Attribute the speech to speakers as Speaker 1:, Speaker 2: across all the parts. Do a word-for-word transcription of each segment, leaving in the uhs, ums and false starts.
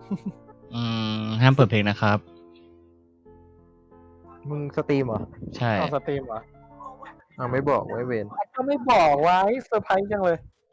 Speaker 1: อืมห้ามเปิดเพลงนะครับ
Speaker 2: มึงสตรีมเหรอ
Speaker 1: ใช่
Speaker 3: เอาสตรีมเหรอ
Speaker 2: อ้าวไม่บอกไว้เวน
Speaker 3: ก็ไม่บอกไว้เซอร์ไพรส์จังเลย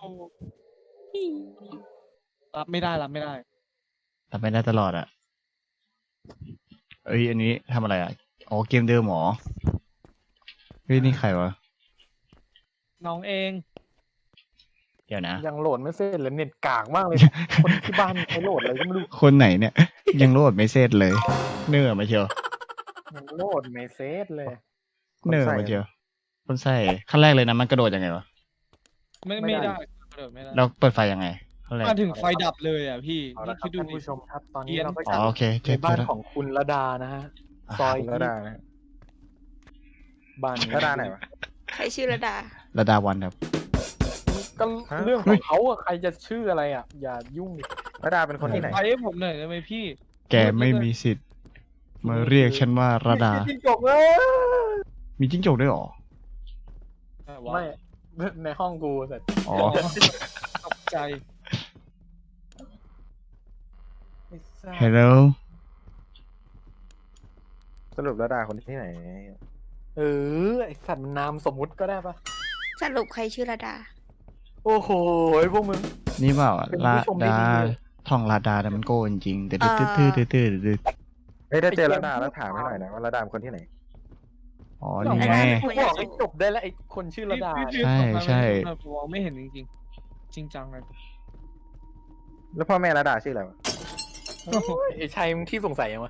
Speaker 4: รับไม่ได้รับไม่ได้
Speaker 1: ทำไม่ได้ตลอดอ่ะ เอ้ย อันนี้ทำอะไรอ่ะ อ๋อ เกมเดิมหรอ เฮ้ย นี่ใครวะ
Speaker 4: น้องเอง
Speaker 1: เดี๋ยวนะ
Speaker 3: ยังโหลดไม่เสร็จเลยเน็ตกากมากเลย คนที่บ้านใช้โหลดอะไรก็ไม่รู้
Speaker 1: คนไหนเนี่ย ยังโหลดไม่เสร็จเลย เนื่อมาเชียว
Speaker 3: ยังโหลดไม่เสร็จเลย
Speaker 1: เนื่อมาเชียว คนใส่ขั้นแรกเลยนะ มันกระโดดยังไงวะ
Speaker 4: ไม่
Speaker 3: ไม่
Speaker 4: ไม่
Speaker 3: ได้
Speaker 4: ได้กระโดดไม่ได้
Speaker 1: เราเปิดไฟยังไงขั้นแรก
Speaker 4: มาถึงไฟดับเลยอ่ะพี่
Speaker 3: เอา
Speaker 4: นี่
Speaker 3: ละครั
Speaker 4: คิ
Speaker 3: บ
Speaker 4: ดดู
Speaker 3: ท่าน
Speaker 4: ดิ
Speaker 3: ผู้ชมครับ ตอน
Speaker 4: เกรี
Speaker 3: นี้
Speaker 4: ยน
Speaker 3: เราก็
Speaker 1: อ๋อ
Speaker 3: จะ
Speaker 1: โอเคเจ
Speaker 3: ใน
Speaker 1: อ
Speaker 3: บ้าน
Speaker 1: แล้ว
Speaker 3: ของคุณระดานะฮะ ซอย
Speaker 2: ระดานะ
Speaker 3: บ้านนี้
Speaker 2: ระดาไหนวะ
Speaker 5: ใครชื่อระดา
Speaker 1: ระดาวันครับ
Speaker 3: ก็
Speaker 2: ฮะ
Speaker 3: เรื่องของเขาอะใครจะชื่ออะไรอ่ะ อย่ายุ่งดิ
Speaker 2: ระดาเป็นคนที่ไหน
Speaker 4: ไฟให้ผมหน่อยได้ไหมพี่
Speaker 1: แกไม่มีสิทธิ์ มาเรียกฉันว่าระดา
Speaker 3: จิ้งจกเลย
Speaker 1: มีจิ้งจกด้วยเหรอ
Speaker 3: ไม่ ในห้องกูเสร็จ
Speaker 1: อ๋อ
Speaker 4: ตกใจ
Speaker 3: ไม่ทราบ
Speaker 1: Hello
Speaker 2: สรุประดาคนที่ไหน
Speaker 3: เออไอสัตว์มันนามสมมุติก็ได้ปะ
Speaker 5: สรุปใครชื่อระดา
Speaker 3: โอ้โหพวกมึง
Speaker 1: นี่เปล่า
Speaker 3: เป็น
Speaker 1: ลา
Speaker 3: ผู้ชมที่
Speaker 1: ดา
Speaker 3: ดีเลย
Speaker 1: ท่องลาดาแต่มันโก้จริงๆแต่ตื้อตื้อตื้อตื้อตื้อตื้อ
Speaker 2: เฮ้ยถ้าเจอระดาแล้วถามให้หน่อยนะว่าระดาเป็นคนที่ไหน
Speaker 1: อ๋อ นี่ไง
Speaker 5: ไม่
Speaker 3: กูบอกให้จบได้แล้วไอคนชื่อระดา
Speaker 4: พี่
Speaker 3: เนี่ย
Speaker 4: พี่
Speaker 1: ใช่
Speaker 4: พี่
Speaker 1: ใช่
Speaker 4: ผมมองไม่เห็นจริงๆ จริงจังเลย
Speaker 2: แล้วพ่อแม่ระดาชื่ออะไรวะ
Speaker 3: โอ้ยไอชัยมึงที่สงสัยยังวะ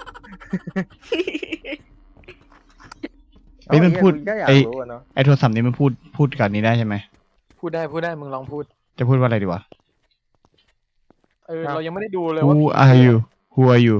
Speaker 1: เฮ้ยมันพูด
Speaker 2: ก็อยาก
Speaker 1: ไอ้
Speaker 2: รู้อะเนาะ
Speaker 1: ไอโทรศัพท์นี้มันพูดพูดกันนี้ได้ใช่ไหม
Speaker 3: พูดได้พูดได้มึงลองพูด
Speaker 1: จะพูดว่าอะไรดีวะ
Speaker 3: เออเรายังไม่ได้ดูเลยว่า
Speaker 1: Who are you Who are you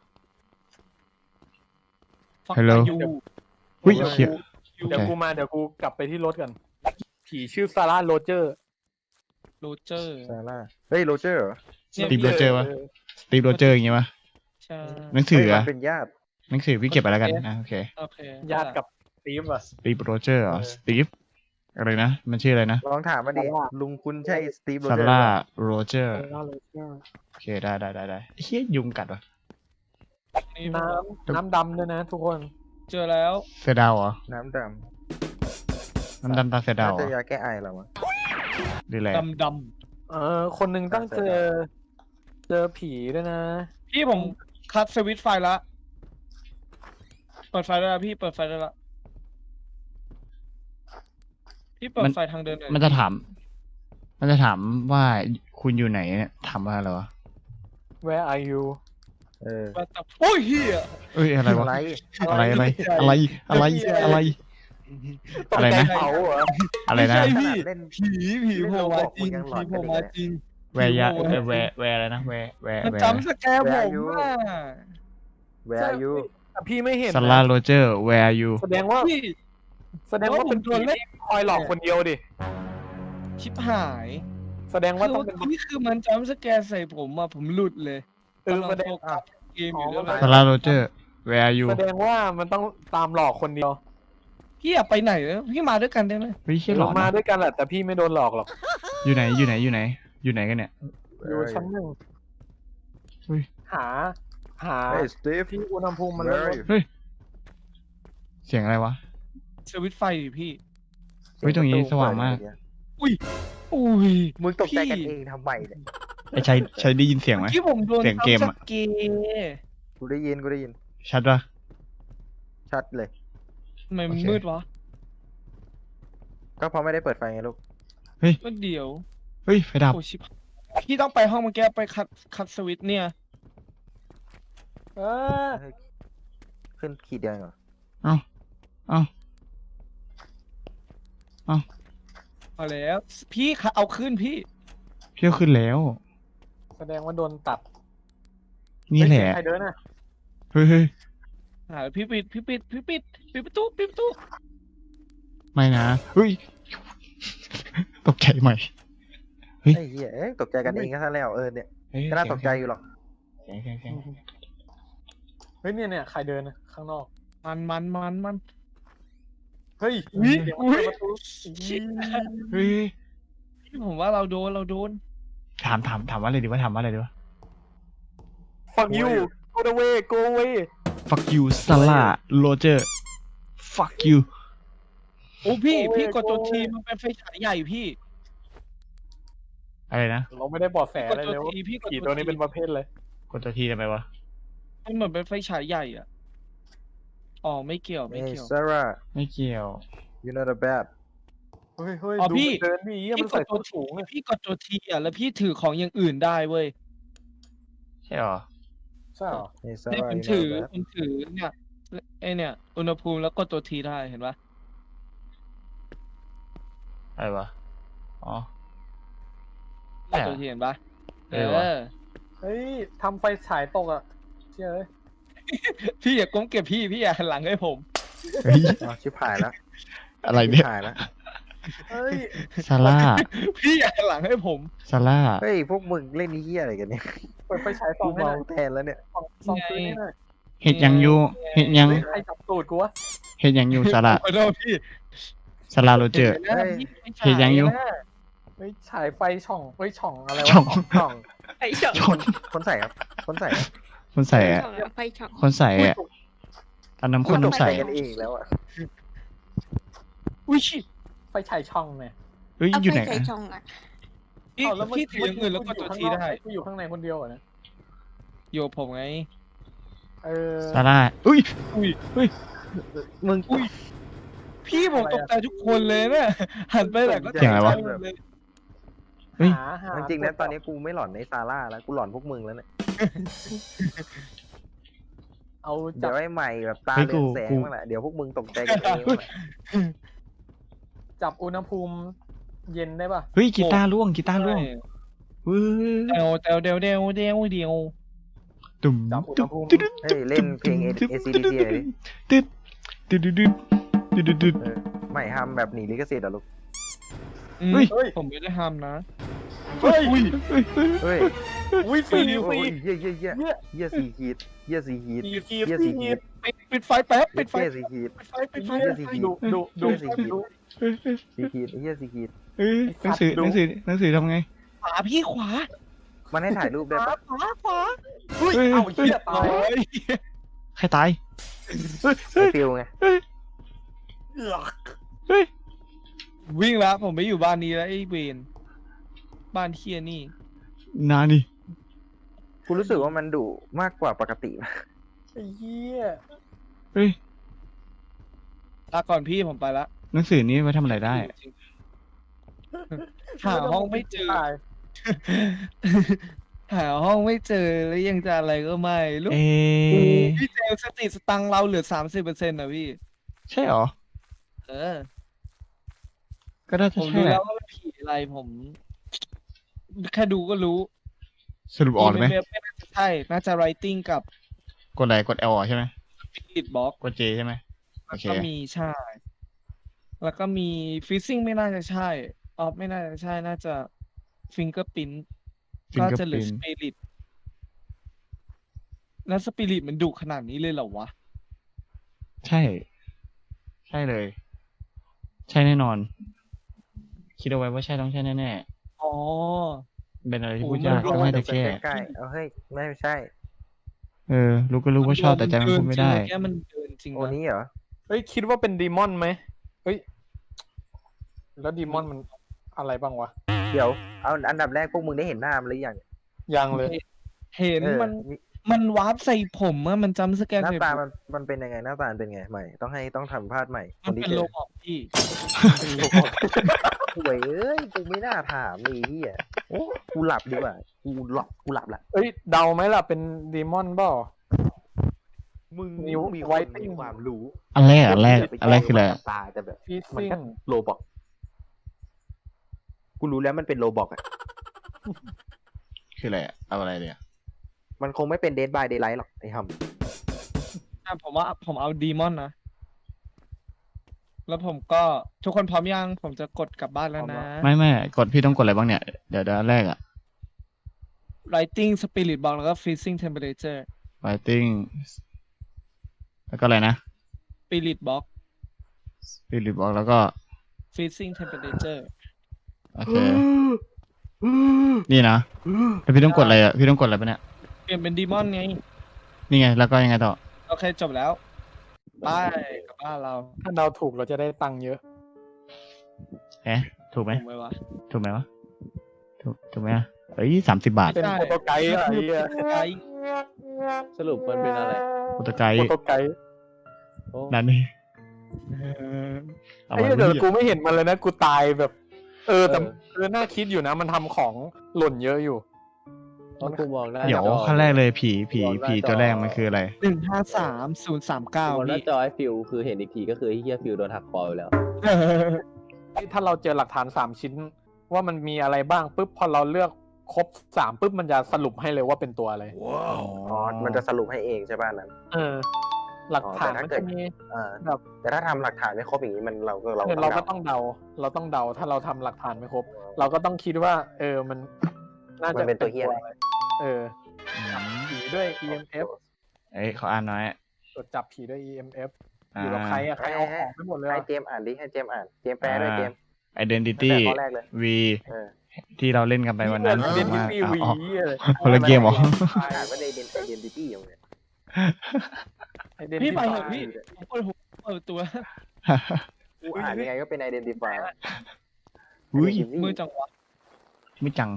Speaker 4: Fuck
Speaker 1: Hello
Speaker 4: you
Speaker 1: อุ้ย
Speaker 3: เดี๋ยว
Speaker 1: เชี่ย
Speaker 3: เดี๋ยวกูมาเดี๋ยวกูกลับไปที่รถกัน ผีชื่อซาร่าโรเจอร์
Speaker 4: โรเจอร์
Speaker 2: ซาร่าเฮ้ยโรเจอร์เหรอ
Speaker 1: สตีฟโรเจอร์วะสตีฟโรเจอร์อย่างงี้วะ
Speaker 4: ใช่
Speaker 1: หนังสือ
Speaker 2: เฮ้ย
Speaker 1: อะ
Speaker 2: มันเป็นญาติ
Speaker 1: หนังสือพี่เก็บไปแล้วกันนะโอเค
Speaker 4: โอเค
Speaker 3: ญาติกับสตีฟอะ
Speaker 1: สตีฟโรเจอร์เหรอ
Speaker 3: เออ
Speaker 1: สตีฟอะไรนะ มันชื่ออะไรนะ
Speaker 2: ลองถามมาดิลุงคุณใช่สตีฟโร
Speaker 1: ซา
Speaker 2: เจอร์
Speaker 1: ร่า
Speaker 2: ป่ะ
Speaker 1: โรเจอร์
Speaker 3: ซาร่าโรเจอร์
Speaker 1: โอเคได้ได้ได้ได้เฮียยุงกัดวะ
Speaker 4: นี่
Speaker 3: น้ำน้ำดำด้วยนะทุกคน
Speaker 4: เจอแล้ว
Speaker 1: เสือดาวเหรอ
Speaker 2: น้ำด
Speaker 1: น้ำดำตาเสือ
Speaker 2: ำ
Speaker 1: ดา
Speaker 2: น่าว
Speaker 1: เหร
Speaker 2: จะ
Speaker 1: อย
Speaker 2: าแก้ไอเหรอวะ
Speaker 1: หรืออะไร
Speaker 4: ดำด
Speaker 3: เออคนหนึ่งต้องเจอ เจอผีด้วยนะ
Speaker 4: ำพี่ผมคัดสวิตช์ไฟละ เปิดไฟได้แล้วพี่เปิดไฟได้ละพี่เปิดไฟทางเดินหน่อย
Speaker 1: มันจะถาม มันจะถามว่าคุณอยู่ไหนเนี่ยถามว่าอะไรวะ
Speaker 3: Where are you
Speaker 2: เออ
Speaker 4: ว่าแต่โอ้ยเฮีย
Speaker 1: เอ้ยอะไรวะ
Speaker 2: อะไร
Speaker 1: อะไรอะไรอะไรอะไรอะไร
Speaker 3: ตก
Speaker 1: อะไร
Speaker 3: ใจ
Speaker 1: นะ
Speaker 3: เขาเหรอ
Speaker 1: อะไรนะ
Speaker 4: ไม่ใช่พี่
Speaker 2: ขนาดเล่น
Speaker 4: ผีผีโผล่มาจริง
Speaker 2: เล่นโรบอท
Speaker 4: ผี
Speaker 2: ยังหลอน
Speaker 4: โผล่
Speaker 2: กัน
Speaker 4: มา
Speaker 2: เลย
Speaker 4: จริง
Speaker 1: แวร์ยะเอ่อแวร์แวร์อะไรนะแวร์แวร์
Speaker 4: มัน
Speaker 1: แวร์
Speaker 4: จำสแกร์ผมอ่ะ
Speaker 2: Where are you
Speaker 3: แต่พี่ไม่เห็น
Speaker 1: ซาร่า
Speaker 3: นะ
Speaker 1: โรเจอร์แวร์ยู
Speaker 3: แสดงว่า
Speaker 4: พี่
Speaker 3: แสดงว่าเป็น
Speaker 4: โดนเล่น
Speaker 3: คอยหลอกคนเดียวดิ
Speaker 4: ชิบหาย
Speaker 3: แสดง
Speaker 4: คื
Speaker 3: ว่า
Speaker 4: อ
Speaker 3: ต้องเป็น
Speaker 4: นี่คือมันจำสแกร์ใส่ผมอ่ะผมหลุดเลย
Speaker 3: เออแสดง
Speaker 4: กำลัโฟกัสเกมอยู่ด้วย
Speaker 3: อ๋อ
Speaker 1: ซาร่าโรเจอร์แวร์ยู
Speaker 3: แสดงว่ามันต้องตามหลอกคนเดียว
Speaker 4: พี่อยากไปไหนเนี่ยพี่มาด้วยกันได้ไหม
Speaker 1: เฮ้ยเชี่ยหล
Speaker 3: เรา
Speaker 1: อน
Speaker 3: มา
Speaker 1: นะ
Speaker 3: ด้วยกันแหละแต่พี่ไม่โดนหลอกหรอก
Speaker 1: อยู่ไหนอยู่ไหนอยู่ไหน อยู่ไหนกันเนี่ย
Speaker 3: อยู่ชั้นหนึ่ง
Speaker 1: เฮ้ย
Speaker 3: หา หา
Speaker 2: เฮ้ยสตีฟ
Speaker 3: ที่อุณหภูมิมันล
Speaker 2: Where
Speaker 3: ด
Speaker 2: are you
Speaker 1: เฮ้ยเสียงอะไรวะ
Speaker 4: สวิตช์ไฟดิพี่
Speaker 1: เฮ้ยตรงนี้สว่างมาก
Speaker 4: อุ้ย
Speaker 2: มึงตกใจกัน
Speaker 4: พี่
Speaker 2: เองทำไมเนี่ย
Speaker 1: ไอ้ชัยชัยได้ยินเสียงไหม
Speaker 4: ที่ผมโดน
Speaker 1: เสียงเกม
Speaker 4: จำส
Speaker 1: อะ
Speaker 4: แกร์
Speaker 2: กูได้ยินกูได้ยิน
Speaker 1: ชัดปะ
Speaker 2: ชัดเลย
Speaker 4: ทำไมมัน
Speaker 1: โอเค
Speaker 4: มืดวะ
Speaker 2: ก็เพราะไม่ได้เปิดไฟไงลูก
Speaker 4: ก็เดี๋ยว
Speaker 1: เฮ้ยไฟดับ
Speaker 4: โอ้ชิบพี่ต้องไปห้องเมื่อกี้ไปคัดคัดสวิตช์เนี่ย
Speaker 3: เออ
Speaker 2: ขึ้นขีดเดียวเหรอ
Speaker 1: เอ้าเอ้า
Speaker 4: เอาแล้ว พี่คะเอาขึ้นพี่
Speaker 1: เพี้ยวขึ้นแล้ว
Speaker 3: แสดงว่าโดนตัด
Speaker 1: นี่แหละ
Speaker 3: ใครเดินอ่ะ
Speaker 1: เฮ้ยเฮ้ย
Speaker 4: หาพี่ปิดพี่ปิดพี่ปิดปิดประตูปิดประตู
Speaker 1: ไม่นะเฮ้ยตกใจใหม่ เฮ้ย
Speaker 2: ไอ้เหี้ยเอ้ยตกใจกันเองก็ซะแล้วเออเนี่ย
Speaker 1: เฮ้ย
Speaker 2: ก็น่าตกใจอยู่หรอก
Speaker 1: เสียงเสียงเสียง
Speaker 3: เฮ้ยเนี่ยเนี่ยใครเดินอะข้างนอก
Speaker 4: มันมันมันมัน
Speaker 3: เฮ้ย
Speaker 4: อุ๊ย
Speaker 3: เดี๋ยว
Speaker 4: อุ๊ย
Speaker 3: เปิดประตู
Speaker 4: ชิบ
Speaker 1: เฮ้ย
Speaker 4: พี่ผมว่าเราโดนเราโดน
Speaker 1: ถามถามถามว่าอะไรดีวะถามว่าอะไรดีวะ
Speaker 3: fuck you go away go away
Speaker 1: fuck you ซาร่าโรเจอร์ fuck you
Speaker 4: โอ้พี่
Speaker 3: โอ้ย
Speaker 4: พี่กดตัว
Speaker 3: โอ้ย
Speaker 4: ทีมันเป็นไฟฉายใหญ่พี่
Speaker 1: อะไรนะ
Speaker 3: เราไม่ได้บอกแส
Speaker 4: ก
Speaker 3: อะ
Speaker 4: ด
Speaker 3: ไร
Speaker 4: ตัว
Speaker 3: เลยว่า
Speaker 4: ทีพี่กด
Speaker 3: ผี
Speaker 4: ตั
Speaker 3: ตัว
Speaker 4: ว
Speaker 3: นี้
Speaker 4: ที
Speaker 3: เป็นประเภทเลย
Speaker 1: กดตัวทีทำไมวะ
Speaker 4: มันเหมือนเป็นไฟฉายใหญ่อ่ะอ๋อไม่เกี่ยวไม่
Speaker 2: เฮ้ย
Speaker 4: เกี่ยว
Speaker 2: ซาร่า
Speaker 1: ไม่เกี่ยว
Speaker 2: you not a bad
Speaker 3: เฮ้ยเฮ้ย
Speaker 4: อ๋อ
Speaker 3: ดู
Speaker 4: พี่
Speaker 3: มันเดินดิเหี้ย
Speaker 4: พี่
Speaker 3: มัน
Speaker 4: ก
Speaker 3: ใส่
Speaker 4: ดตั
Speaker 3: ตัว ว
Speaker 4: ที
Speaker 3: สูงอะ
Speaker 4: พี่กดตัวทีอ่ะแล้วพี่ถือของอย่างอื่นได้เว้ย
Speaker 1: ใช่หรอ
Speaker 3: ใช่เหรอ
Speaker 2: เฮ้ยซา
Speaker 4: เนี่ย
Speaker 2: ร่า
Speaker 4: ผม
Speaker 2: you
Speaker 4: ถือ
Speaker 2: not a bad
Speaker 4: ผมถือเนี่ยไอเนี่ย อุณหภูมิแล้วกดตัวทีได้เห็นปะ
Speaker 1: อะไรวะ อ๋อ
Speaker 4: กดตัวทีเห็นปะ
Speaker 1: เออว่ะ
Speaker 3: เฮ้ยทำไฟฉายตกอ่ะเชื่อเลย
Speaker 4: พี่อย่าก้มเก็บพี่พี่อย่าหันหลังให้ผม
Speaker 1: เฮ้ย
Speaker 2: อ๋อชิบหายแล้ว
Speaker 1: อะไร
Speaker 2: ชิ
Speaker 1: เนี่ย
Speaker 2: บหายแล้ว
Speaker 3: เฮ้ย
Speaker 1: ซาร่า
Speaker 4: พี่อย่าหันหลังให้ผม
Speaker 1: ซาร่า
Speaker 2: เฮ้ยพวกมึงเล่นนี้เหี้ยอะไรกันเนี่ย
Speaker 3: เปิดไฟฉายส่
Speaker 2: กู
Speaker 3: องให้ห
Speaker 2: เมา
Speaker 3: น่อย
Speaker 2: แทนแล้วเนี่ย
Speaker 3: ส่องส่องพื้นให้หน่อย
Speaker 1: เห็ดยังอยู่เห็ดยัง
Speaker 3: เฮ้ยใครจับตูดกูวะ
Speaker 1: เห็ดยังอยู่ซาร่า
Speaker 4: ขอโทษพี่
Speaker 1: ซาร่าโรเจอร์
Speaker 4: ห็นไหม
Speaker 2: เฮ้ย
Speaker 4: พี่ไม่ใช่
Speaker 1: เห็นยังอยู่
Speaker 4: นะ
Speaker 3: เฮ้ยฉายไฟช่องเฮ้ยช่องอะไร
Speaker 1: ช่อ
Speaker 3: วะ
Speaker 1: ง
Speaker 2: ช่อง
Speaker 5: ไฟช่อง
Speaker 1: ชน
Speaker 2: คนใส่ครับ คนใส่ครับ
Speaker 1: คนใส่อะ
Speaker 5: ช่องอะไฟช่อง
Speaker 1: คนใส่อะอันน้ำข้นน้ำใส่
Speaker 2: กันเองแล้วอ่ะ
Speaker 4: อุ้ยชิ
Speaker 3: ไฟฉายช่องเนี่ย
Speaker 1: เฮ้ย
Speaker 5: เอา
Speaker 1: อยู่
Speaker 5: ไฟ
Speaker 1: ไหน
Speaker 5: ใส่
Speaker 1: อะ
Speaker 5: ช่องอะ
Speaker 4: พี่
Speaker 3: อ้าวแล้วเมื่
Speaker 4: พี่ถืออย่างอื่นแล้วกดตัวทีได้
Speaker 3: กูอยู่ข้างในคนเดียวเหรอเนี่ย
Speaker 4: อยู่กับผมไง
Speaker 3: เออ
Speaker 1: ซาร่าอุ้ย
Speaker 4: อุ้ย
Speaker 2: มึง
Speaker 4: อุ้ย พี่ผมตกใจทุกคนเลยเนี่ยหันไปไหนก็ตก
Speaker 1: เสียงอะไรวะ
Speaker 4: ใจหมดเลย
Speaker 1: เฮ้ย
Speaker 3: หาหา
Speaker 2: จริงๆนะตอนนี้กูไม่หลอนในซาร่าแล้วกูหลอนพวกมึงแล้วเนี่ย
Speaker 3: เอา
Speaker 2: เดี๋
Speaker 3: จั
Speaker 2: ย
Speaker 3: บ
Speaker 2: วไอ้ใหม่แบบตา
Speaker 1: เฮ้ย
Speaker 2: เรืองแสง
Speaker 1: กู
Speaker 2: มาแหละเดี๋ยวพวกมึงตกใจกันเองว่ะ
Speaker 3: จับอุณหภูมิเย็นได้ป่ะ
Speaker 1: เฮ้ยกีตาร์ล่วงกีตาร์ล่วงเฮ้ย
Speaker 4: เดวเดวเดวเดวเดวเดียว
Speaker 1: ตุ่ม
Speaker 3: จับอุณ
Speaker 1: ตุ่
Speaker 3: ห
Speaker 1: ม
Speaker 3: ภูมิ
Speaker 1: ตึ๊ด
Speaker 2: เฮ้ยเล่นเพลง เอ ซี ดี ซี เลยดิ
Speaker 1: ตึ๊ดตึ๊ดตึ๊ดตึ๊ดตึ๊ดตึ๊ด
Speaker 2: เออใหม่ทำแบบหนีลิขสิทธิ์เหรอลูก
Speaker 4: อืม
Speaker 1: เฮ้ย
Speaker 4: ผมไม่ได้ทำนะ
Speaker 3: เฮ้ย
Speaker 1: อุ้ยเฮ้ยเฮ้ย
Speaker 2: เฮ้ย
Speaker 3: อุ้ยฟรี
Speaker 2: โอ้
Speaker 3: ฟรี
Speaker 2: ยเยี่ยเยี่ยเยี่ย
Speaker 3: เนี่ย
Speaker 2: เยี่ยสี่ขีดเยี่ยสี่ขีด
Speaker 3: ขีดขีด
Speaker 2: เยี่ย
Speaker 3: ขี
Speaker 2: สี่
Speaker 3: ด
Speaker 2: ขีด
Speaker 4: ปิดปิดไฟแป๊บปิดไฟ
Speaker 2: เยี่ยสี่ขีด
Speaker 4: ปิดไฟปิดไฟ
Speaker 3: เหี้ย
Speaker 4: ปิดไฟ
Speaker 3: ดุดุดุ
Speaker 2: เยี่ยสี่ขีด
Speaker 3: ดุ
Speaker 1: เฮ้ยเฮ้ย
Speaker 2: สี่ขีดเยี่ยสี่ขีด
Speaker 1: เฮ้ยหนังสือหนังสือหนังสือทำไง
Speaker 4: ขวาพี่ขวา
Speaker 2: มันให้ถ่ายรูปได้
Speaker 4: ขวา
Speaker 2: ปะ
Speaker 4: ขวาขวา
Speaker 3: เฮ้ย
Speaker 1: เฮ้ย
Speaker 3: เอาเหี้ยตาย
Speaker 4: โอ้ย
Speaker 1: ใครตายเฮ้ย
Speaker 2: ไอ้
Speaker 1: เฮ้ย
Speaker 2: ฟิลไง
Speaker 1: เฮ้ย
Speaker 3: เอือก
Speaker 1: เฮ้ย
Speaker 4: วิ่งแล้วผมไม่อยู่บ้านนี้แล้วไอ้เวนบ้านเฮียนี่
Speaker 1: นานี่
Speaker 2: กูรู้สึกว่ามันดุมากกว่าปกติ
Speaker 3: ไอ้เหี้ย
Speaker 1: เฮ้ย
Speaker 4: ลาก่อนพี่ผมไปละ
Speaker 1: หนังสือนี้ไว้ทำอะไรได้
Speaker 4: หาห้องไม่เจอ
Speaker 3: ตาย
Speaker 4: หาห้องไม่เจอแล้วยังจะอะไรก็ไม่รู้
Speaker 1: เอ
Speaker 4: พี่เจลสติสตังค์เราเหลือสามสิบเปอร์เซ็นต์นะพี่
Speaker 1: ใช่เหรอ
Speaker 4: เออ
Speaker 1: ก็น่า
Speaker 4: ผ
Speaker 1: จะ
Speaker 4: ม
Speaker 1: ใช่
Speaker 4: รู้
Speaker 1: แห
Speaker 4: แล้
Speaker 1: ละ
Speaker 4: วว่าเป็นผีอะไรผม แค่ดูก็รู้
Speaker 1: สรุปออกเลยไหม
Speaker 4: เว็บไม่น่าจะใช่ น่าจะ writing กับ
Speaker 1: กดอะไรกด L ใช่ไหม
Speaker 4: spirit box
Speaker 1: กด J ใช่ไหมโอ
Speaker 4: แล้ว
Speaker 1: เค
Speaker 4: ก็มีใช่ แล้วก็มี freezing ไม่น่าจะใช่ออฟไม่น่าจะใช่ น่าจะ fingerprint ก็จะเหลือ
Speaker 1: Fingerprint
Speaker 4: spirit แล้ว spirit มันดุขนาดนี้เลยเหรอวะ
Speaker 1: ใช่ ใช่เลย ใช่แน่นอน คิดเอาไว้ว่าใช่ต้องใช่แน่
Speaker 4: อ๋อ
Speaker 1: ๆเป็นอะไรที่
Speaker 4: โอ้
Speaker 1: พูด
Speaker 4: มัน
Speaker 1: ยาก
Speaker 4: รู้
Speaker 1: ต้องให้แต่
Speaker 2: ใก
Speaker 1: แก้
Speaker 2: ล้ๆเอาเฮ้ยไม่ใช่
Speaker 1: เออ รู้ก็รู้ว่าชอบแต่ใจมันพูดไม่ได้
Speaker 4: แค่มันเดินจริง
Speaker 2: โอ
Speaker 4: นะ
Speaker 2: นี้เหรอ
Speaker 3: เฮ้ยคิดว่าเป็นดีมอนไหมเฮ้ยแล้วดีมอนมันอะไรบ้างวะ
Speaker 2: เดี๋ยวเอาอันดับแรกพวกมึงได้เห็นหน้ามันหรือยัง
Speaker 3: ยังเลย
Speaker 4: เห็น
Speaker 2: เออ
Speaker 4: มัน มันวาร์ปใส่ผมอะมันจำสแกน
Speaker 2: หน้า
Speaker 4: ใส่
Speaker 2: ตา
Speaker 4: ผม
Speaker 2: มันมันเป็นยังไงหน้าตามันเป็นไงใหม่ต้องให้ต้องทำพาดใหม่ค
Speaker 4: มัน
Speaker 2: นที่
Speaker 4: เป็น
Speaker 2: เจ
Speaker 4: โล
Speaker 2: อ
Speaker 4: บอกพี่
Speaker 2: ห่วยเอ้ยกูไม่น่าถามเลยที่อ่ะโอ้กูหลับดีกว่ากูหลับกูหลับละ
Speaker 3: เอ้ยเดาไหมล่ะเป็นดีมอนเปล่า
Speaker 2: มึง
Speaker 3: นิ้ว
Speaker 2: มี
Speaker 3: ไว้
Speaker 2: คนมีความรู้
Speaker 1: อันแรกอันแรกอันแรกคืออะไร
Speaker 2: ตาแต่แบบ
Speaker 3: ฟี
Speaker 2: มัน
Speaker 3: ซิ่ง
Speaker 2: ก็โลบอกกูรู้แล้วมันเป็นโลบอกอ่ะ
Speaker 1: คืออะไรอะเอาอะไรเนี่ย
Speaker 2: มันคงไม่เป็นเดดบายเดย์ไลท์หรอกไอ้ฮัม
Speaker 4: อ่ะผมว่าผมเอาดีมอนนะ แล้วผมก็ทุกคนพร้อมยัง ผมจะกดกลับบ้านแล้วนะ
Speaker 1: ไม่ไม่กดพี่ต้องกดอะไรบ้างเนี่ย เดี๋ยวเดี๋ยวอันแรกอะ
Speaker 4: writing spirit box แล้วก็ freezing temperature
Speaker 1: writing แล้วก็อะไรนะ
Speaker 4: spirit box
Speaker 1: spirit box แล้วก็
Speaker 4: freezing temperature
Speaker 1: โอเค นี่นะแล้วพี่ต้องกดอะไรอะพี่ต้องกดอะไรปะเนี่ย
Speaker 4: เปลี่ยนเป็นดีมอนไง
Speaker 1: นี่ไงแล้วก็ยังไงต่อ
Speaker 4: โอเคจบแล้วไปกลับบ้านเรา
Speaker 3: ถ้าเราถูกเราจะได้ตังค์เยอะ
Speaker 1: เอ๊ะถูกไหม
Speaker 4: ถูกไหมวะ
Speaker 1: ถูกไหมวะถูกถูกไหมอะเอ้ยสามสิบบาท
Speaker 3: เป็น
Speaker 4: ได้
Speaker 3: โปรโตไกด์อะไรเงี้ย
Speaker 4: ไก
Speaker 2: สรุปมันเป็นอะไร
Speaker 1: โปรโตไกด์
Speaker 3: โปรโตไกด์
Speaker 2: โอ้
Speaker 1: นั่นนี่
Speaker 4: เออ
Speaker 1: เอา
Speaker 3: ไอ้
Speaker 1: ไว้
Speaker 3: เหี้ย
Speaker 1: ไม่
Speaker 3: แต่
Speaker 1: ดี
Speaker 3: กูไม่เห็นมันเลยนะกูตายแบบ เออแต่
Speaker 2: เออ
Speaker 3: เออน่าคิดอยู่นะ มันทำของหล่นเยอะอยู่
Speaker 2: เพราะกูมองหน้า
Speaker 1: เดี๋ยว
Speaker 2: จอ
Speaker 1: ขั้นแรกเลยผีผี
Speaker 2: วางหน้า
Speaker 1: ผี
Speaker 2: จอ
Speaker 1: ตัวแรกมันคืออะไร
Speaker 4: หนึ่งห้าสามศูนย์สามเก้า
Speaker 2: กูมองหน้า
Speaker 4: พี่
Speaker 2: จอไอ้ฟิวคือเห็นอีกทีก็คือไอ้เฮียฟิวโดนหักคอไปแล้ว
Speaker 3: ถ้าเราเจอหลักฐานสามชิ้น ว่ามันมีอะไรบ้างปุ๊บพอเราเลือกครบสามปุ๊บมันจะสรุปให้เลยว่าเป็นตัวอะไร
Speaker 1: อ๋อ
Speaker 2: อ๋อ มันจะสรุปให้เองใช่ป่ะนั้น
Speaker 3: เออ หลักฐาน
Speaker 2: อ๋อแต่ถ้า
Speaker 3: มัน
Speaker 2: เกิ
Speaker 3: จะ
Speaker 2: ด
Speaker 3: มี
Speaker 2: อ่า
Speaker 3: แบบ
Speaker 2: แต่ถ้าทำหลักฐานไม่ครบอย่างนี้มันเราก็เรา
Speaker 3: เออ
Speaker 2: ก็
Speaker 3: เรา
Speaker 2: ต้อง
Speaker 3: ก็
Speaker 2: เดา
Speaker 3: ต้องเดา เราต้องเดาถ้าเราทำหลักฐานไม่ครบ เราก็ต้องคิดว่า เออมันน่า
Speaker 2: มั
Speaker 3: จะ
Speaker 2: นเป็นตัวเฮียอะไร
Speaker 3: อะไรเออ
Speaker 1: อืม
Speaker 3: ผีด้วย อี เอ็ม เอฟ
Speaker 1: เอ้ยขออ่านหน่อย
Speaker 3: ตรวจจับผีด้วย อี เอ็ม เอฟ
Speaker 1: อ่า
Speaker 3: อยู่กับใครอะใครเอาของไปหมดเลย
Speaker 2: ให้
Speaker 3: อะ
Speaker 2: เจมส์อ่านดิให้เจมส์อ่านเจมส์แปลด้วยเจมส์
Speaker 1: identity
Speaker 2: ตั้งแต่ข้อแรกเลย
Speaker 1: V
Speaker 2: เออ
Speaker 1: ที่เราเล่นกันไปวันนั้น
Speaker 3: เล่น
Speaker 1: ว่า
Speaker 3: ที่
Speaker 1: อ๋
Speaker 3: วี
Speaker 1: อ
Speaker 3: อะไร
Speaker 1: คนละเกมเหรอ
Speaker 2: อ่านว่าในเดนไอเดนติตี้อย่างเนี้ย
Speaker 4: พี่ไปเถอะพี่ผมเปิดหัวเปิดตัว
Speaker 2: กูอ่านยังไงก็เป็นไอเดนติฟาย
Speaker 1: อุ้ย
Speaker 4: มือจังหวะ
Speaker 1: ไม่จัง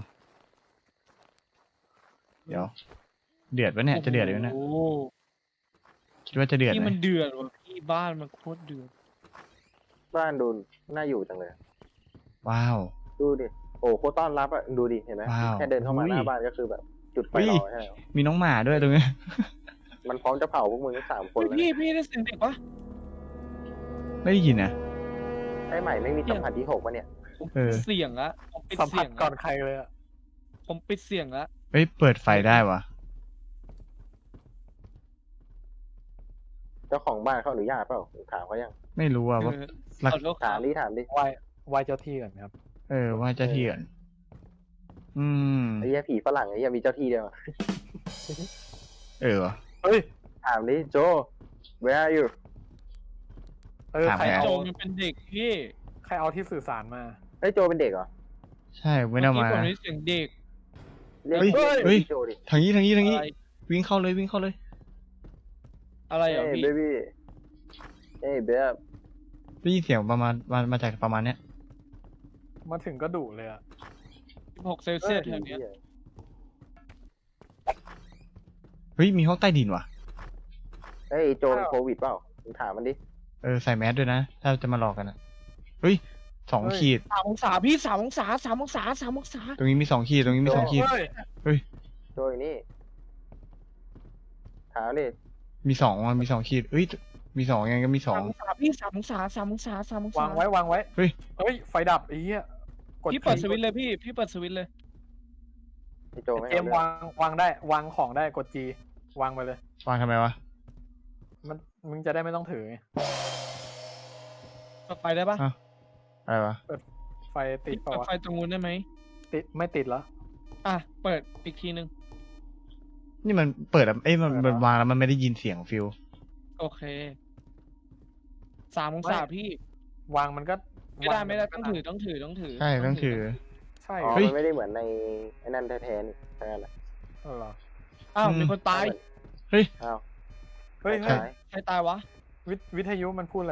Speaker 1: เดี๋ยว เดือดวะเนี่ยจะเดือดเลยนะ
Speaker 4: โอ้
Speaker 1: คิดว่าจะเดือด
Speaker 4: พี่
Speaker 1: ไหม
Speaker 4: มันเดือดว่ะพี่บ้านมันโคตรเดือด
Speaker 2: บ้านดูน่าอยู่จังเลย
Speaker 1: ว้าว
Speaker 2: ดูดิ โอ้โคตรต้อนรับอ่ะ ดูดิ เห็นไหม
Speaker 1: ว้าว
Speaker 2: แค่เดินเข้ามา
Speaker 1: อุ้ย
Speaker 2: หน้าบ้านก็คือแบบ จุดไฟ
Speaker 1: อุ้ย
Speaker 2: รอให้แล้ว
Speaker 1: มีน้องหมาด้วยตรงนี้
Speaker 2: มันพร้อมจะเผาพวกมึงทั้งสามคน
Speaker 4: เฮ้ย
Speaker 2: แล้ว
Speaker 4: พี่พี่ได้เสียงเด็กปะ
Speaker 1: ไม่ได้ยินนะ
Speaker 2: ไอ้ใหม่ไม่มีสัมผัสที่หกปะเนี่ย
Speaker 4: ผม
Speaker 1: เออ
Speaker 4: ปิดเสียงละผมปิด
Speaker 3: สัมผั
Speaker 4: เสี
Speaker 3: ส
Speaker 4: ยง
Speaker 3: ก่อ
Speaker 4: ละ
Speaker 3: นใครเลยอะ
Speaker 4: ผมปิดเสียงละ
Speaker 1: เฮ้ยเปิดไฟได้วะ
Speaker 2: เจ้าของบ้านเขาอนุญาตเปล่าถามเขายัง
Speaker 1: ไม่รู้อะว่า
Speaker 4: เออ
Speaker 1: หลัก
Speaker 4: ขอโทษค
Speaker 2: ถา
Speaker 4: รั
Speaker 2: ม
Speaker 4: บ
Speaker 2: ดิถามดิ
Speaker 3: ไหว้ไหว้เจ้าที่ก่อนครับ
Speaker 1: เออว่าจะเถื่อน อืม
Speaker 2: ไอ้เหี้ยผีฝรั่งไอ้เหี้ยมีเจ้าที่เดียวอะ
Speaker 1: เออวะ
Speaker 3: เฮ้ย
Speaker 2: ถามดิโจ where are you
Speaker 3: เออ
Speaker 1: ถาม
Speaker 3: ใคร
Speaker 1: ใคร
Speaker 3: เอา
Speaker 4: โจมันเป็นเด็กพี่
Speaker 3: ใครเอาที่สื่อสารมา
Speaker 2: เฮ้ยโจเป็นเด็กเหรอ
Speaker 1: ใช่ไม่ได้
Speaker 4: เมื่อ
Speaker 1: มา
Speaker 4: กี้ผมได้เสียงเด็ก
Speaker 2: เรียก
Speaker 1: เฮ้ย
Speaker 2: เรียก
Speaker 1: เฮ้ย
Speaker 2: โจดิ
Speaker 1: ทางนี้ทางนี้ทางนี้
Speaker 4: อะไร
Speaker 1: วิ่งเข้าเลยวิ่งเข้าเลย
Speaker 4: อะไร
Speaker 2: เฮ้
Speaker 4: อ่ะ
Speaker 2: ย
Speaker 4: พี่
Speaker 2: เบบี้เฮ้ยเบฟ
Speaker 1: ได้ยินเสียงประมาณมามาจากประมาณเนี้ย
Speaker 3: มาถึงก็ดุเลยอะ
Speaker 4: สิบหกเซลเซียสแถวเนี้ย
Speaker 1: เฮ้ยมีห้องใต้ดินว่ะ
Speaker 2: เฮ้ยโจเป็นโควิดเปล่ามึงถามมันดิ
Speaker 1: เออใส่แมสด้วยนะ ถ้าจะมาหลอกกันอะเฮ้ยสองขีด
Speaker 4: สามองศาพี่สามองศาสามองศาสามองศา
Speaker 1: ตรงนี้มีสองขีดตรงนี้มีสองขีด
Speaker 3: เฮ้ย
Speaker 2: โจอยู่นี่ถามดิ
Speaker 1: มีสองอ่ะมีสองขีดเอ้ยมีสองยังไงก็มีสอ
Speaker 4: สาง มองศาพี่สามองศาสามองศาสามองศาว
Speaker 3: างไว้วางไว้
Speaker 1: เฮ้ย
Speaker 3: เฮ้ย ไฟดับไอ้เหี้ยกด
Speaker 4: พี่เปิดสวิตช์เลยพี่พี่เปิดสวิตช์เลย
Speaker 2: ไอ้โจไม่
Speaker 3: เก
Speaker 2: เอา
Speaker 3: ม
Speaker 2: เรื่อง
Speaker 3: วางวางได้ วางของได้กด G วางไปเลย
Speaker 1: วางทำไมวะ
Speaker 3: มันมึงจะได้ไม่ต้องถือไง
Speaker 4: เปิดไฟได้ปะ
Speaker 1: อ้าว อะไรวะ
Speaker 3: ไฟติด
Speaker 4: พี่
Speaker 3: เปล่า
Speaker 4: เปิด
Speaker 3: วะ
Speaker 4: ไฟตรงนู้นได้ไหม
Speaker 3: ติดไม่ติดเหรอ
Speaker 4: อ่ะเปิดอีกทีนึง
Speaker 1: นี่มันเปิดอะเอ้ยมันมันวางแล้วมันไม่ได้ยินเสียงฟิล
Speaker 4: โอเคสามองศาพี่
Speaker 3: วางมันก็
Speaker 4: ไม่ได้
Speaker 3: วาง
Speaker 4: ไม่ได้
Speaker 3: นก็
Speaker 4: ต้องถือต้องถือต้องถือ
Speaker 1: ใช่ต้องถือ
Speaker 3: ใช่
Speaker 2: อ๋อ
Speaker 3: เหรอ
Speaker 1: เฮ้ย
Speaker 2: มันไม่ได้เหมือนในไอ้นั่นแท้ๆนี่แค่นั้นแหละ
Speaker 3: เออเหรอ
Speaker 4: อ้าว
Speaker 1: อืม
Speaker 4: มีคนตาย
Speaker 1: เฮ้ย
Speaker 2: อ้าว
Speaker 3: เฮ้ย
Speaker 2: ใค
Speaker 3: เฮ้ย
Speaker 2: ร
Speaker 4: ใครตายวะ
Speaker 3: วิทวิทยุมันพูดเลย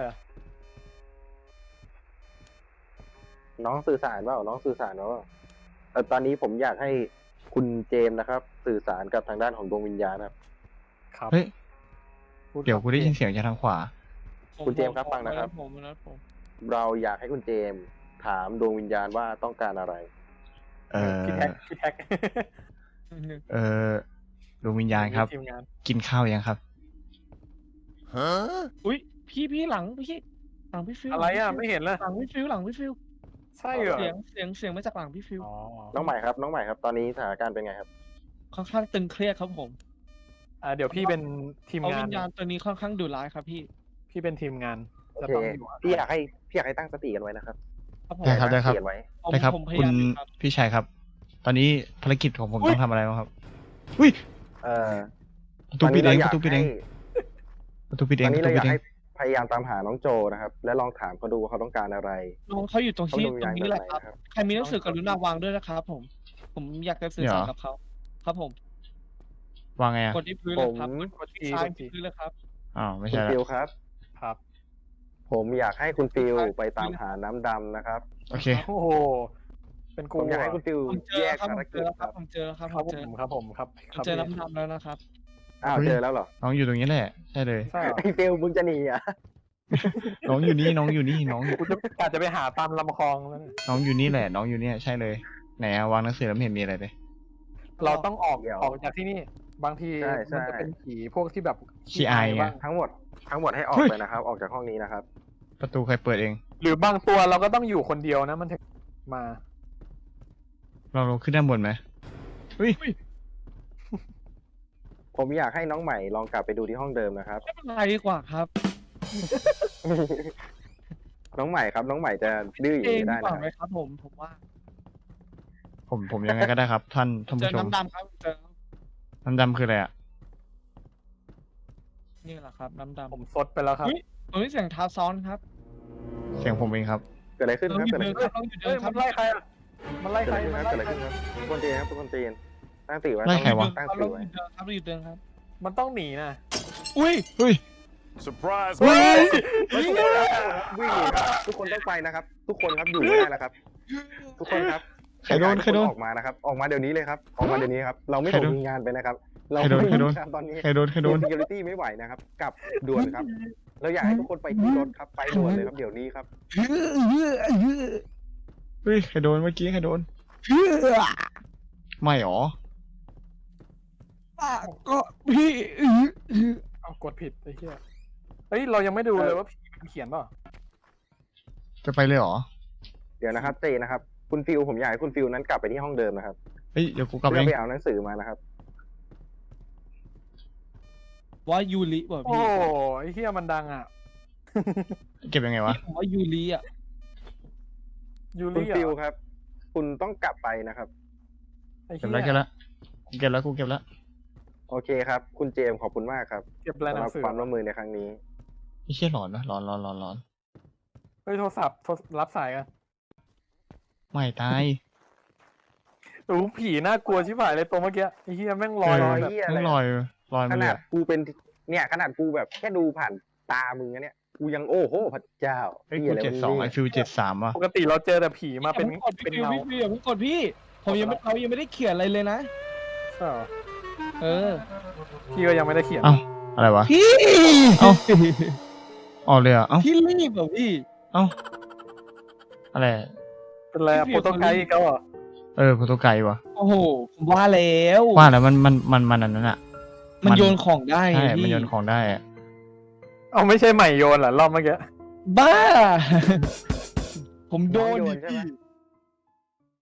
Speaker 2: น้องสื่อสารเปล่าน้องสื่อสารเปล่าเออตอนนี้ผมอยากให้คุณเจมส์นะครับ สื่อสารกับทางด้านของดวงวิญญาณครับ
Speaker 3: ครับ
Speaker 1: เฮ้ย
Speaker 3: พู
Speaker 1: เดี๋ยวกูได้ยินเสียงจากทางขวา
Speaker 4: ผม
Speaker 2: คุณเจมส์ครับ
Speaker 4: ผม
Speaker 2: ฟังนะครับ
Speaker 4: ผมนะผม
Speaker 2: เราอยากให้คุณเจมส์ถามดวงวิญญาณว่าต้องการอะไร
Speaker 1: เออ
Speaker 3: พี่แท็กพี่แท็ก
Speaker 1: เออดวงวิญญาณครับ
Speaker 3: ทีมงาน
Speaker 1: กินข้าวยังครับ
Speaker 4: อุ้ยพี่พี่หลังพี่หลังพี่ฟิว
Speaker 3: อะไรอ่ะไม่เห็นเลย
Speaker 4: หลังพี่ฟิวหลังพี่ฟิว
Speaker 3: ใช่เหรอ
Speaker 4: เสียงเสียงเสียงมาจากหลังพี่ฟิว
Speaker 3: อ๋อ
Speaker 2: น้องใหม่ครับ น้องใหม่ครับ ตอนนี้สถานการณ์เป็นไงครับ
Speaker 4: ค่อนข้างตึงเครียดครับผม
Speaker 3: อ่าเดี๋ยวพี่เป็นทีม
Speaker 4: เพราะ
Speaker 3: งา
Speaker 4: วิ
Speaker 3: น
Speaker 4: ญญาณตัวนี้ค่อนข้างดุร้ายครับพี่
Speaker 3: พี่เป็นทีมงาน
Speaker 2: โอ
Speaker 3: จะ
Speaker 2: เค
Speaker 3: ต้องอยู่
Speaker 2: พี่อยากให้พี่อยากให้ตั้งสติกันไว้นะครับ
Speaker 4: ครับผม
Speaker 1: ได้ครับได้ครับ
Speaker 2: ตั้งสติกันไว้
Speaker 4: ผม
Speaker 1: ได้ครับ
Speaker 4: ผมพ
Speaker 1: คุ
Speaker 4: ยา
Speaker 1: ณ
Speaker 4: ยามอยู่ครับ
Speaker 1: พี่ชายครับ ตอนนี้ภารกิจของผมต้องทำอะไรบ้างครับอุ้ย
Speaker 2: เอ่อ
Speaker 1: ประตูปิดเอง
Speaker 2: ต
Speaker 1: ประตูปิดเอง
Speaker 2: ให้
Speaker 1: ประตูปิด
Speaker 2: ต
Speaker 1: เอ
Speaker 2: อง น
Speaker 1: ป
Speaker 2: นี้
Speaker 1: ระตู
Speaker 2: เราอ
Speaker 1: ปิ
Speaker 2: ยา
Speaker 1: ด
Speaker 2: ก
Speaker 1: เอง
Speaker 2: ให้พยายามตามหาน้องโจนะครับ และลองถามเขาดูว่าเขาต้องการอะไร
Speaker 4: น้องเขาอยู่ตรง
Speaker 2: เขา
Speaker 4: ที่
Speaker 2: ดวงวิญ
Speaker 4: ตร
Speaker 2: ญาณ
Speaker 4: ง
Speaker 2: แบ
Speaker 4: นี้
Speaker 2: บ
Speaker 4: แห
Speaker 2: ไหน
Speaker 4: ละครับ
Speaker 2: นะครับ
Speaker 4: ใครมีหนังสือกรุณาวางด้วยนะครับผม ผมอยากจะสื่อสารกับเขาครับผม
Speaker 1: วางไงอ่ะ
Speaker 4: กดที่พื้นเลยครับ
Speaker 2: ผม
Speaker 4: กดที่ซ้ายที่พื้นเลยครับ
Speaker 1: อ้าวไม่
Speaker 2: คุ
Speaker 1: ใช่
Speaker 2: ณ
Speaker 1: ละ
Speaker 2: ฟิลครับ
Speaker 3: ครับ
Speaker 2: ผมอยากให้คุณฟิลไปตามหาน้ำดำนะครับ
Speaker 1: โอเค
Speaker 3: โอ้โห เป็น
Speaker 2: ผ
Speaker 3: กู
Speaker 2: มอยากให้คุณฟิล
Speaker 4: ผมเจ
Speaker 2: แย
Speaker 4: อก ครับ
Speaker 2: ภาร
Speaker 4: ผมเจ
Speaker 2: กิ
Speaker 4: อ
Speaker 2: จ
Speaker 4: แล้วค
Speaker 2: ค
Speaker 4: รั
Speaker 2: รั
Speaker 4: บบ ผมเจอแล้วครับ
Speaker 3: ค
Speaker 4: ผ
Speaker 3: รับ
Speaker 4: ม
Speaker 3: ผ
Speaker 4: เจอ
Speaker 3: มครับผมครับ
Speaker 4: ผมเจอน้ำดำแล้วนะครับ
Speaker 2: อ้าว
Speaker 1: เฮ้ย
Speaker 2: เจอแล้วเหรอ
Speaker 1: น้องอยู่ตรงนี้แหละใช่เลย
Speaker 3: ใช่เหรอ
Speaker 2: ไอ้ฟิลมึงจะหนีอ่ะ
Speaker 1: น้องอยู่นี่น้องอยู่นี่น้อง
Speaker 3: กูจะกะจะไปหาตามลำคลองแล้วเนี่ย
Speaker 1: น้องอยู่นี่แหละ น้องอยู่เนี่ยใช่เลยไหนอะวางหนังสือแล้วไม่เห็นมีอะไรเลย
Speaker 3: เราต้องออก
Speaker 2: เดี๋ยว
Speaker 3: ออกจากที่นี่ บางที
Speaker 2: ใช่ใช่
Speaker 3: มันจะเป็นผีพวกที่แบบ
Speaker 1: ขี้อายไง
Speaker 3: บ้าง
Speaker 2: ทั้งหมดทั้งหมดให้ออก
Speaker 1: เฮ้ย
Speaker 2: ไปนะครับ ออกจากห้องนี้นะครับ
Speaker 1: ประตูใครเปิดเอง
Speaker 3: หรือบางตัวเราก็ต้องอยู่คนเดียวนะ มันถึงมา
Speaker 1: เราลงขึ้นด้านบนไหมเฮ้ย
Speaker 2: ผมอยากให้น้องใหม่ลองกลับไปดูที่ห้องเดิมนะครับ
Speaker 4: ไม่เป็นไรดีกว่าครับ
Speaker 2: น้องใหม่ครับ น้องใหม่จะดื้ออย่าง
Speaker 4: เอง
Speaker 2: นี้
Speaker 4: ดี
Speaker 2: ได้
Speaker 4: กว่า
Speaker 2: นะ
Speaker 4: ไหมครับผมผมว่า
Speaker 1: ผมผมยังไงก็ได้ครับ ท่านท่าน
Speaker 4: เจ
Speaker 1: ผู้
Speaker 4: อ
Speaker 1: ชม
Speaker 4: น้ำดำครับเจอ
Speaker 1: น้ำดำคืออะไรอ่ะ
Speaker 4: นี่แหละครับน้ำดำ
Speaker 3: ผมซดไปแล้วครับ
Speaker 4: เฮ้ย ตรงนี้เสียงเท้าซ้อนครับ
Speaker 1: เสียงผมเองครับ
Speaker 2: เกิดอะไรขึ้น
Speaker 4: เรา
Speaker 2: ครับ
Speaker 4: อยู่
Speaker 2: เกิดอะไร
Speaker 4: เดิน
Speaker 2: ขึ้น
Speaker 4: ครับเราอยู่เดินครั
Speaker 3: เฮ้ยมันไล่ใครอ่ะ มันไล่
Speaker 2: เกิด
Speaker 3: ใคร
Speaker 2: อะไรขึ้น
Speaker 3: มัน
Speaker 2: ครับ
Speaker 3: ไล่
Speaker 2: เกิดอะไร
Speaker 3: ใคร
Speaker 2: ขึ้นครับทุกคนเจนครับทุกคนเจนตั้งสติไว้
Speaker 1: ไล่ใครวะ
Speaker 2: ตั้งส
Speaker 4: เรา
Speaker 2: ติ
Speaker 4: อ
Speaker 2: ไว้
Speaker 4: ยู่เดินครับเราอยู่เดินครับ
Speaker 3: มันต้องหนีนะ
Speaker 4: อุ้ย
Speaker 1: เฮ้ย
Speaker 6: Surprise!
Speaker 1: เฮ้ย
Speaker 2: เฮ้ยทุกคนครับวิ่งหนีครับทุกคนต้องไปนะครับ ทุกคนครับอยู่ไม่ได้แล้วครับ ทุกคนครับ
Speaker 1: ใครโดนใครโดน
Speaker 2: ออกมานะครับ ออกมาเดี๋ยวนี้เลยครับ ออกมาเดี๋ยวนี้ครับ เราไม่
Speaker 1: ใคร
Speaker 2: ส่ง
Speaker 1: โดน
Speaker 2: ทีมงานไปนะครับ เรา
Speaker 1: ใครโดน
Speaker 2: ไม่
Speaker 1: ใครโดน
Speaker 2: มีงานตอนนี้
Speaker 1: ใครโดนใครโดน
Speaker 2: security ไม่ไหวนะครับ กลับด่วนครับ เราอยากให้ทุกคนไปที่รถครับ ไปด่วนเลยครับเดี๋ยวนี้ครับ
Speaker 1: เฮ้ยใครโดนเมื่อกี้ใครโดนไม่หรอ
Speaker 4: ก็พี่
Speaker 3: เอากดผิดไอ้เหี้ย เฮ้ย เรายังไม่ดูเลยว่าผีมันเขียนเปล่า
Speaker 1: จะไปเลยเหรอ
Speaker 2: เดี๋ยวนะครับเจนะครับ คุณฟิวผมอยากให้คุณฟิวนั้นกลับไปที่ห้องเดิมนะครับ
Speaker 1: เฮ้ยเดี๋ยวกูกลับ
Speaker 2: เพื่
Speaker 1: เอ
Speaker 2: อง ไปเอาหนังสือมานะครับ
Speaker 4: ว่ายูริว่ะ
Speaker 3: โอ้
Speaker 4: พี่
Speaker 3: ไอ้เหี้ยมันดังอ่ะ
Speaker 1: เก็บยังไงวะ
Speaker 4: ผมว่ายูริอ่ะ
Speaker 3: ยู
Speaker 2: คุณ
Speaker 3: ริ
Speaker 2: ฟิว
Speaker 3: อ่ะ
Speaker 2: ครับ คุณต้องกลับไปนะครับ
Speaker 3: ไอ้
Speaker 1: เก็
Speaker 3: เหี้
Speaker 1: บ
Speaker 3: ย
Speaker 1: แล้วเก็บแล้วกูเก็บแล้วกูเก็บแล้ว
Speaker 2: โอเคครับ คุณเจมส์ขอบคุณมากครับ
Speaker 3: เก็บอะไรห
Speaker 2: สำห
Speaker 3: นั
Speaker 2: รั
Speaker 3: ง
Speaker 2: บ
Speaker 3: สือ
Speaker 2: ความร่วมมือในครั้งนี้
Speaker 1: ไอ้เชี่ยหลอนนะหลอนหลอนหลอนหลอน
Speaker 3: เฮ้ย โทรศัพท์โทรรับสายกัน
Speaker 1: ไม่ตาย
Speaker 3: โอ้โหผีน่ากลัวชิบหายเลยตัวเมื่อกี้ ไอ้เหี้ยแม่งลอย
Speaker 1: เอ
Speaker 3: ล
Speaker 1: อ
Speaker 3: อยแบบ
Speaker 2: เหี้ยอะไร
Speaker 1: ต้องลอยลอย
Speaker 2: ข
Speaker 1: มาเล
Speaker 2: นาด
Speaker 1: ย
Speaker 2: กูเป็นเนี่ยขนาดกูแบบแค่ดูผ่านตามึงนะเนี่ยกูยังโอ้โหพระเจ้า
Speaker 1: เฮ้ย
Speaker 2: หี้
Speaker 1: กู
Speaker 2: อะไร
Speaker 1: เจ็ด
Speaker 2: วะ
Speaker 1: สอง
Speaker 2: นี่
Speaker 1: ไอฟิวเจ็ดสามว่ะ
Speaker 3: ปกติเราเจอแต่ผีมาเป็น
Speaker 4: อย่าพิ่งกด
Speaker 3: เป็น
Speaker 4: พี่
Speaker 3: เงา
Speaker 4: พี่พี่อย่าเพิ่งกดพี่ ผมยังไม่เรายังไม่ได้เขียนอะไรเลยนะ
Speaker 3: ใช่เหรอ
Speaker 4: เออ
Speaker 3: พี่ก็ยังไม่ได้เขียน
Speaker 1: เอ้าอะไรวะ
Speaker 4: พี่
Speaker 1: เอ้า ออกเลยเหรอ่ะเอ้า
Speaker 4: พี่รีบเหรอพี่
Speaker 1: เอ้าอะไร
Speaker 3: เป็นไรอะ
Speaker 4: พี่
Speaker 3: โปรโตไกด์
Speaker 4: พี่
Speaker 3: อีกแล้วเหรอ
Speaker 1: เออโปรโตไกด์ว่ะ
Speaker 4: โอ้โหผมว่าแล้ว
Speaker 1: ว่าแล้วมันมันมันมันอันนั้นอ่ะ
Speaker 4: มันโยนของได้ไง
Speaker 1: ใช่
Speaker 4: พี่
Speaker 1: มันโยนของได้อะ
Speaker 3: เอาไม่ใช่ใหม่โยนเหรอรอบเมื่อกี้
Speaker 4: บ้า ผมโดน
Speaker 2: น้องโย
Speaker 4: ดิ
Speaker 2: นใช่ไหม
Speaker 4: พี่